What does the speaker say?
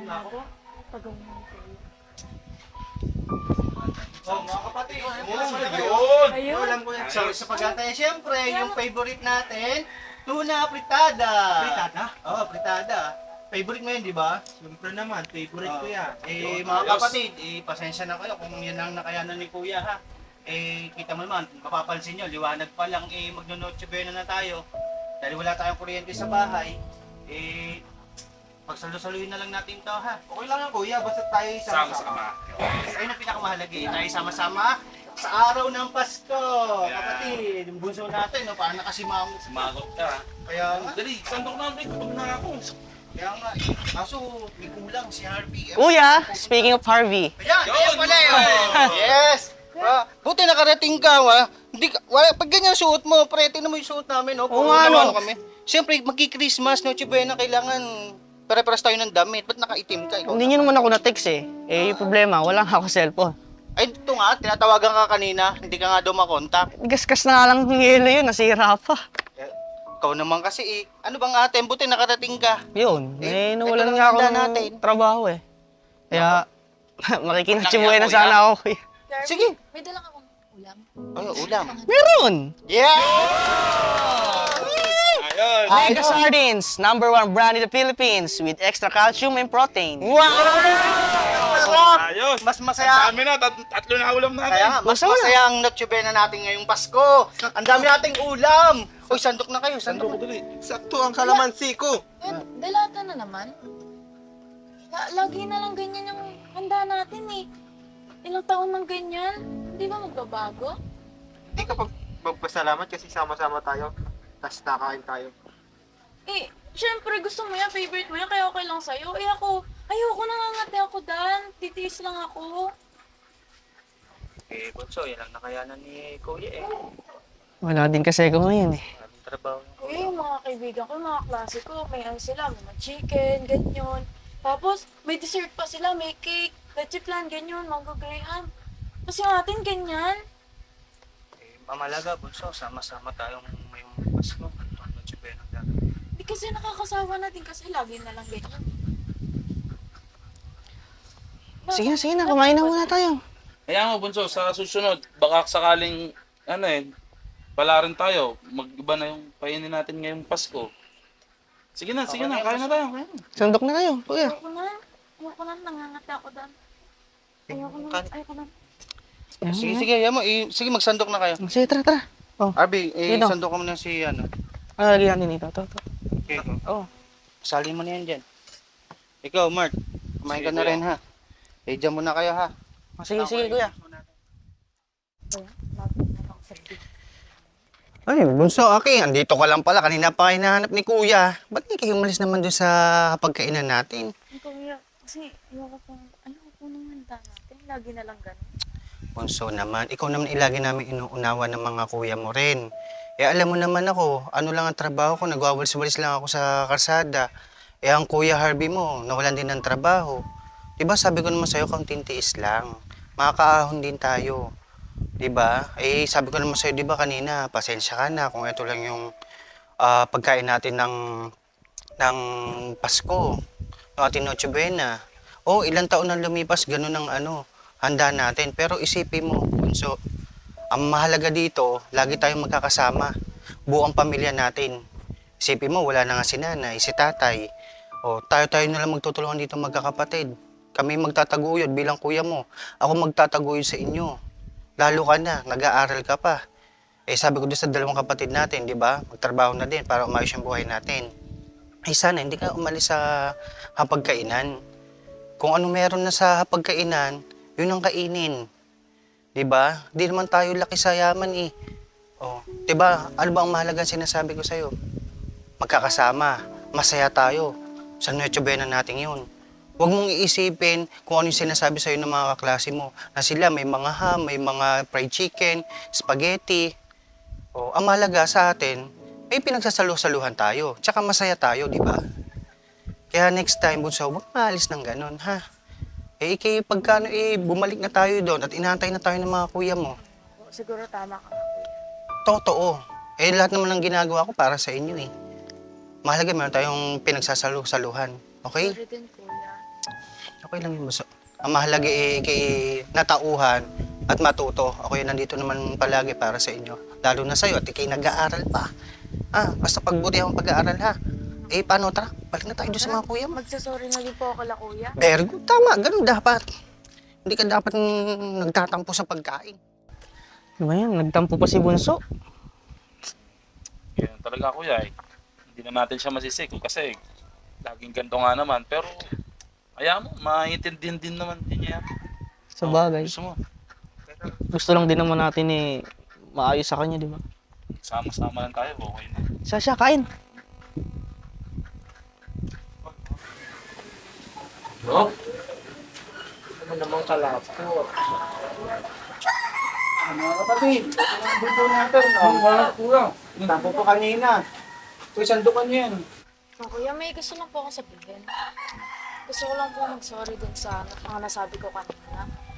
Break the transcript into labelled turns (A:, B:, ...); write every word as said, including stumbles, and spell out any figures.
A: Ako? Tagaw mo ko.
B: Oh, mga kapatid,
C: Yun!
A: Ayun.
B: alam ko yan. So, sa pagkatay, siyempre, yung favorite natin, tuna fritada.
C: Fritada?
B: Oo, fritada. Favorite mo yun, di ba?
C: Siyempre naman, favorite ko yan.
B: Eh,
C: Yun,
B: mga
C: ayos.
B: kapatid, eh, pasensya na kayo kung yan ang nakayanan ni Kuya, ha? Eh, kita mo naman, kung mapapansin nyo, liwanag pa lang, eh, magno-noche buena na tayo. Dahil wala tayong kuryente sa bahay, eh, pagsalo-saluhin na lang natin to, ha?
C: Okay lang yan, kuya. Basta tayo sama-sama.
D: Sama-sama.
B: Ayun ang pinakamahalaga, eh, tayo sama-sama sa araw ng Pasko, kapatid. Yung bunso natin, no, parang nakasimangot.
D: Sumagot ka.
B: Kaya nga,
D: Dali, sandok na ako. Kapag na ako.
B: kaya nga, eh. Kaso, may kulang si Harvey. Eh,
E: Kuya, speaking of Harvey.
B: Ayan,
D: Yun!
B: ayan pala yun. Yes! Ah, buti nakarating ka, ha? Hindi ka, wala, pag ganyan suot mo, pre, tingnan mo yung suot namin, no?
E: Oo
B: Puro
E: nga,
B: naman
E: no?
B: kami. Siyempre, magki-Christmas, no, Chibena, kailangan pare-paras tayo ng damit. Ba't nakaitim ka? Ikaw
E: Hindi nyo naman ako na-text eh. Eh, yung problema, wala nga ako cellphone.
B: Ay, ito nga, tinatawagan ka kanina, hindi ka nga daw makontak.
E: Gasgas na nga lang ng yelo yun, nasira pa.
B: Eh, ikaw naman kasi, eh. Ano bang ate, buti nakarating ka.
E: Yun,
B: Eh,
E: eh, nawalan
B: ito
E: nga ako
B: lang
E: ng
B: natin.
E: trabaho eh. Kaya, makikinachibuhay na
B: Kuya.
E: sana ako kuya.
A: Darby,
B: Sige.
A: may dala akong ulam.
B: Ay, ulam.
E: Meron!
B: Yeah!
D: Ayun!
E: Mega Sardines, number one brand in the Philippines with extra calcium and protein.
B: Wow! Sarap!
D: Ayos!
B: Mas
D: Sa
B: masaya.
D: amin na, tat tatlo na ulam natin.
B: Kaya nga, mas
E: Masama.
B: masaya ang Noche Buena natin ngayong Pasko. Ang dami nating ulam. Uy, sandok na kayo,
D: Sandok ko
B: sandok.
D: dali.
C: Sakto ang kalamansi ko.
A: Eh, dalata na naman. La- lagi na lang ganyan yung handa natin eh. Ilang taon nang ganyan. Hindi ba magbabago?
C: Hindi ka pag magpasalamat kasi sama-sama tayo. Tapos nakain tayo.
A: Eh, syempre gusto mo yan, favorite mo yan, kaya okay lang sa'yo. Eh ako, ayoko nangangati ako, Dan. Titiis lang ako.
B: Eh, Bunso, yan ang nakayanan ni Kuya eh.
E: Wala din kasi ako ngayon eh.
B: Maraming trabaho.
A: Kuya, yung mga kaibigan ko, yung mga klase ko, may ano sila, may mga chicken, ganyan. Tapos, may dessert pa sila, may cake, leche flan, ganyan, mango graham. Tapos yung atin, ganyan.
B: Eh, mamalaga, Bunso, sama-sama tayong may Pasko. Ang Noche Buena natin.
A: Hindi kasi nakakasawa na din kasi lagi na lang ganyan.
E: Sige na, sige na, kumain na muna tayo.
D: Kaya mo, Bunso, sa susunod, baka sakaling, ano eh, pala rin tayo. Mag-iba na yung painin natin ngayong Pasko. Sige na, sige na, kaya na tayo. Kaya na.
E: Sandok na kayo, kuya.
A: Ayoko na. Ayoko na. Nangangati ako doon. Ayoko na.
B: Kan-
A: Ayoko na.
B: Sige, sige, yan mo. Eh, sige, magsandok na kayo.
E: Sige, tara, tara. Oh,
B: Arby, eh,
E: Dito.
B: sandok ka muna si, ano.
E: ano lagyan natin ito? Ito, ito.
B: Okay.
E: Oh.
B: Sali mo na yan dyan. Ikaw, Mark, kumain ka
D: Sige,
B: na
D: kuya.
B: rin, ha? Eh, dyan muna kayo, ha?
E: Oh, sige, sige, kuya.
A: Kuya, bago na ako sa big.
E: Ay, Bunso, okay. Andito ka lang pala. Kanina pa kayo hinahanap ni kuya. Ba't hindi kayo umalis naman doon sa pagkainan natin?
A: Ay, Kuya, kasi ayoko pong, ayoko po nung handa natin. Lagi na lang ganun.
E: Bunso naman, ikaw naman ilagi namin inuunawa ng mga kuya mo rin. Eh, alam mo naman ako, ano lang ang trabaho ko, nagwawalis-walis lang ako sa kalsada. Eh, ang kuya Harvey mo, nawalan din ng trabaho. Diba, sabi ko naman sa'yo, kaunting tiis lang. Makakaahon din tayo. Diba? Eh, sabi ko naman sa'yo, diba kanina, pasensya ka na kung ito lang yung ah, pagkain natin ng, ng Pasko. Yung ating Noche Buena. Oh, ilang taon na lumipas, ganun ang ano, handa natin. Pero isipin mo, Bunso, ang mahalaga dito, lagi tayong magkakasama. Buong pamilya natin. Isipin mo, wala na nga si nanay, si tatay. O, tayo-tayo na lang magtutulungan dito magkakapatid. Kami magtataguyod bilang kuya mo. Ako magtataguyod sa inyo. Lalo ka na, nag-aaral ka pa. Eh sabi ko doon sa dalawang kapatid natin, di ba? Magtrabaho na din para umayos yung buhay natin. Eh sana hindi ka umalis sa hapagkainan. Kung ano meron na sa hapagkainan, yun ang kainin. Di ba? Di naman tayo laki sa yaman eh. Oh, di ba? Ano ba ang mahalaga sinasabi ko sa'yo? Magkakasama, masaya tayo. Sa Noche Buena natin yun. Huwag mong iisipin kung ano yung sinasabi sa'yo ng mga kaklase mo. Na sila may mga ham, may mga fried chicken, spaghetti. O, ang mahalaga sa atin, may pinagsasalusaluhan tayo. Tsaka masaya tayo, di ba? Kaya next time, Bunso, huwag maalis ng ganun, ha? Eh, ikay, pagkano, eh, bumalik na tayo doon at inaantay na tayo ng mga kuya mo.
A: Siguro tama ka.
E: Totoo. Eh, lahat naman ng ginagawa ko para sa inyo, eh. Mahalaga, meron tayong pinagsasalu-saluhan. Okay?
A: Sorry din, kuya.
E: Okay lang yun, Bunso. Ang mahalaga eh, kay natauhan at matuto. Ako yun nandito naman palagi para sa inyo. Lalo na sa'yo at ikay nag-aaral pa. Ah, basta pagbuti ang pag-aaral ha. Eh, paano tara? Balik na tayo doon sa mga kuya mo.
A: Magsasorry na din po ako la kuya.
E: Very good. Tama, ganun dapat. Hindi ka dapat mm, nagtatampo sa pagkain.
F: Ano ba yan? Nagtampo pa si Bunso.
D: Ganyan talaga kuya eh. Hindi na natin siya masisik kasi laging ganito nga naman. Pero, kaya mo, maintindihan din naman din niya.
F: Sa
D: Oh,
F: bagay.
D: gusto mo,
F: Gusto lang din naman natin eh, maayos sa kanya, di ba?
D: sama-sama lang tayo, okay na.
F: Sasha, kain.
D: Oh,
C: Ano namang kalapot?
B: Ano mga kapatid? Ito ang buto natin.
D: ang mga kulang.
B: Tapo pa kanina. Uy, sandukan niyo yan.
A: Oh, kuya, may gusto lang po akong sabihin. Gusto ko lang po mag-sorry din sa mga nasabi ko kanina.